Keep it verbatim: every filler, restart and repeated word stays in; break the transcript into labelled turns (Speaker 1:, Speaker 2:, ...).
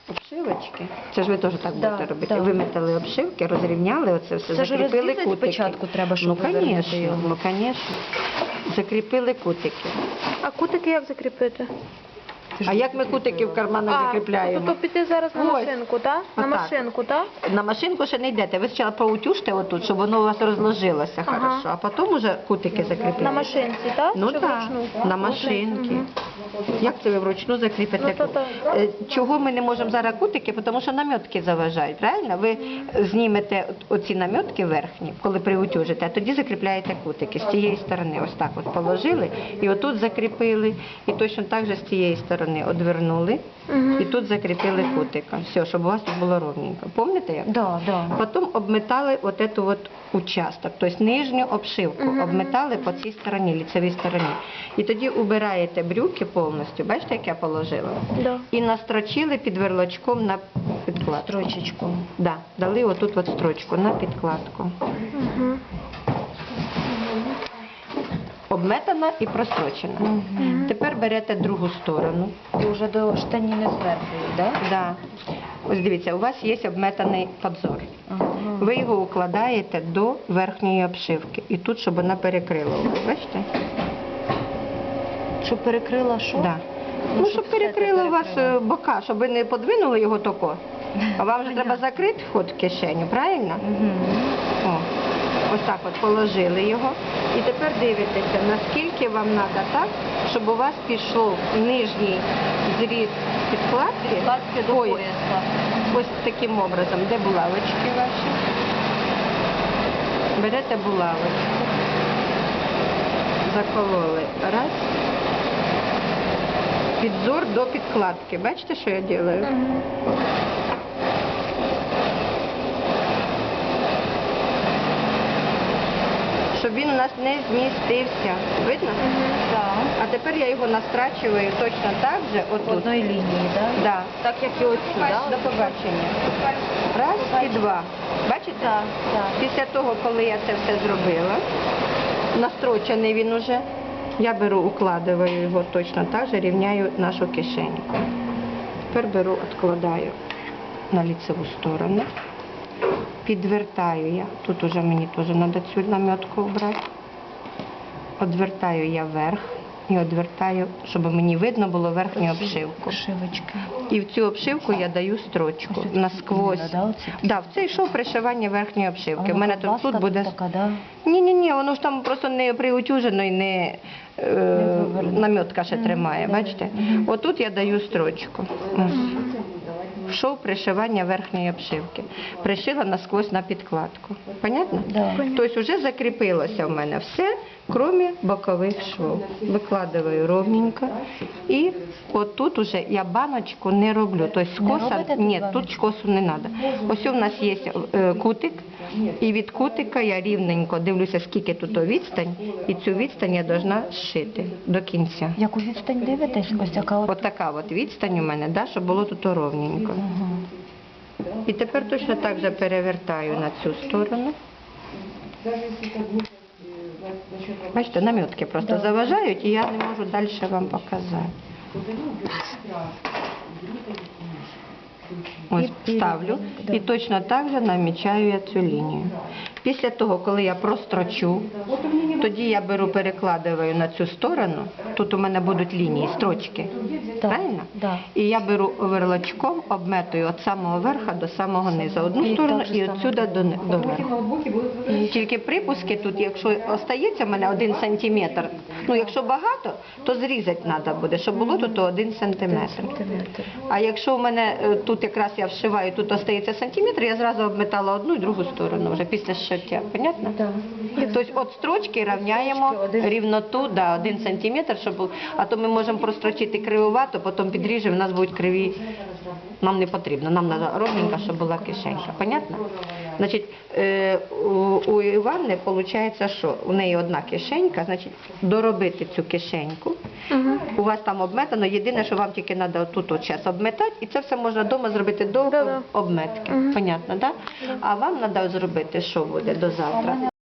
Speaker 1: обшивочки. Це ж ви теж так
Speaker 2: Да,
Speaker 1: будете робити.
Speaker 2: да.
Speaker 1: Виметали обшивки, розрівняли оце все,
Speaker 2: Це ж
Speaker 1: закріпили
Speaker 2: розрізати
Speaker 1: кутики.
Speaker 2: спочатку треба, щоб
Speaker 1: Ну,
Speaker 2: вивернути
Speaker 1: звісно,
Speaker 2: його.
Speaker 1: ну, звісно. Закріпили кутики.
Speaker 3: А кутики як закріпити?
Speaker 1: А як ми кутики в карманах закріпляємо?
Speaker 3: То піти зараз на
Speaker 1: Ось.
Speaker 3: машинку, так? На
Speaker 1: Отак.
Speaker 3: машинку, так?
Speaker 1: На машинку ще не йдете. Ви спочатку поутюжте отут, щоб воно у вас розложилося
Speaker 3: Ага.
Speaker 1: хорошо, а потім уже кутики закріпляєте.
Speaker 3: На машинці, так?
Speaker 1: Ну
Speaker 3: Чи
Speaker 1: так,
Speaker 3: вручну?
Speaker 1: на машинки. Як це ви вручну закріпите?
Speaker 3: Ну, то так.
Speaker 1: Е, Чого ми не можемо зараз кутики? Тому що намітки заважають, правильно? Ви знімете оці намітки верхні, коли приутюжите, а тоді закріпляєте кутики з цієї сторони. Ось так от положили, і отут закріпили, і точно так же з цієї сторони одвернули, і тут закріпили кутика. Все, щоб у вас тут було ровненько. Пам'ятаєте як?
Speaker 2: Да, да.
Speaker 1: Потім обметали от эту от участок, тобто нижню обшивку, обметали по цій стороні, ліцевій стороні. І тоді убираєте брюки повністю, бачите, як я положила?
Speaker 3: Да.
Speaker 1: І настрочили під верлочком на підкладку.
Speaker 2: Строчечку.
Speaker 1: Да, дали отут от строчку на підкладку.
Speaker 3: Угу.
Speaker 1: Обметана і прострочена. Тепер берете другу сторону.
Speaker 2: І вже до штаніни зверху, так?
Speaker 1: Да. Ось дивіться, у вас є обметаний подзор. Ви його укладаєте до верхньої обшивки. І тут, щоб вона перекрила. Бачите?
Speaker 2: Щоб перекрила що?
Speaker 1: Да.
Speaker 2: Ну,
Speaker 1: Ну,
Speaker 2: щоб
Speaker 1: щоб
Speaker 2: все
Speaker 1: перекрила
Speaker 2: це
Speaker 1: у вас
Speaker 2: перекрило.
Speaker 1: е, бока, щоб ви не подвинули його тако. А вам же треба закрити вход в кишеню, правильно?
Speaker 2: Угу.
Speaker 1: О, ось так от положили його. І тепер дивитеся, наскільки вам треба так, щоб у вас пішов нижній зріз підкладки.
Speaker 2: Підкладки до
Speaker 1: Ой,
Speaker 2: пояса.
Speaker 1: ось таким образом. Де булавочки ваші? Берете булавочку. Закололи. Раз. Підзор до підкладки. Бачите, що я роблю? Щоб він у нас не змістився. Видно?
Speaker 2: Так.
Speaker 1: А тепер я його настрачую точно так же,
Speaker 2: В
Speaker 1: отут.
Speaker 2: одній лінії, так?
Speaker 1: Да.
Speaker 2: Так як і оцю,
Speaker 1: До
Speaker 2: так?
Speaker 1: побачення. Раз і два. Бачите?
Speaker 2: Так, так.
Speaker 1: Після того, коли я це все зробила, настрочений він уже, я беру, укладаю його точно так же, рівняю нашу кишеньку. Тепер беру, відкладаю на ліцеву сторону. Підвертаю я, тут уже мені теж треба цю намітку обрати. Одвертаю я вверх і одвертаю, щоб мені видно було верхню обшивку.
Speaker 2: Шивочки.
Speaker 1: І в цю обшивку я даю строчку насквозь.
Speaker 2: Да, оці?
Speaker 1: Да, в цей шов пришивання верхньої обшивки. У мене тут, тут буде...
Speaker 2: така, да?
Speaker 1: Ні-ні-ні, воно ж там просто не приутюжено і не, е,
Speaker 2: вивернуто.
Speaker 1: намітка ще тримає, бачите? Отут я даю строчку. Ось. Шов пришивання верхньої обшивки. Пришила насквозь на підкладку. Понятно?
Speaker 2: Да.
Speaker 1: Тобто вже закріпилося в мене все, крім бокових швов. Викладаю ровненько. І отут уже я баночку не роблю. Тобто скоса,
Speaker 2: робите тут
Speaker 1: ні,
Speaker 2: баночку?
Speaker 1: тут косу не треба. Ось у нас є е, кутик, і від кутика я рівненько дивлюся, скільки тут відстань, і цю відстань я повинна зшити до кінця.
Speaker 2: Яку відстань дивитесь? Ось така от.
Speaker 1: Ось така от відстань у мене, да, щоб було тут ровненько.
Speaker 2: Угу.
Speaker 1: І тепер точно так же перевертаю на цю сторону. Бачите, намітки просто
Speaker 2: Да.
Speaker 1: заважають, і я не можу далі вам показати. Ось
Speaker 2: І- і
Speaker 1: ставлю
Speaker 2: рівно, да.
Speaker 1: і точно так же намічаю я цю лінію. Після того, коли я прострочу, тоді я беру, перекладаю на цю сторону. Тут у мене будуть лінії, строчки.
Speaker 2: Так,
Speaker 1: Правильно?
Speaker 2: да.
Speaker 1: І я беру оверлочком, обметую від самого верха до самого низу. Одну
Speaker 2: І
Speaker 1: сторону
Speaker 2: так же
Speaker 1: і
Speaker 2: само
Speaker 1: відсюди до, ни- до верху. Тільки припуски тут, якщо остається в мене один сантиметр, ну якщо багато, то зрізати треба буде, щоб було тут один сантиметр.
Speaker 2: Сантиметр.
Speaker 1: А якщо в мене е, тут якраз я вшиваю, тут остається сантиметр, я зразу обметала одну і другу сторону вже після зшиття. Понятно?
Speaker 2: Да.
Speaker 1: Тобто від строчки рівняємо
Speaker 2: один-
Speaker 1: рівноту, да, один сантиметр, щоб був, а то ми можемо прострочити кривувато, потім підріжемо, в нас будуть криві. Нам не потрібно, нам треба ровненько, щоб була кишенька. Понятно? Значить, е, у, у Іванни виходить, що у неї одна кишенька, значить, доробити цю кишеньку. У вас там обметано, єдине, що вам тільки треба тут от час обметати, і це все можна вдома зробити до
Speaker 3: Да-да.
Speaker 1: обметки. Понятно, так? Да? А вам треба зробити, що буде до завтра?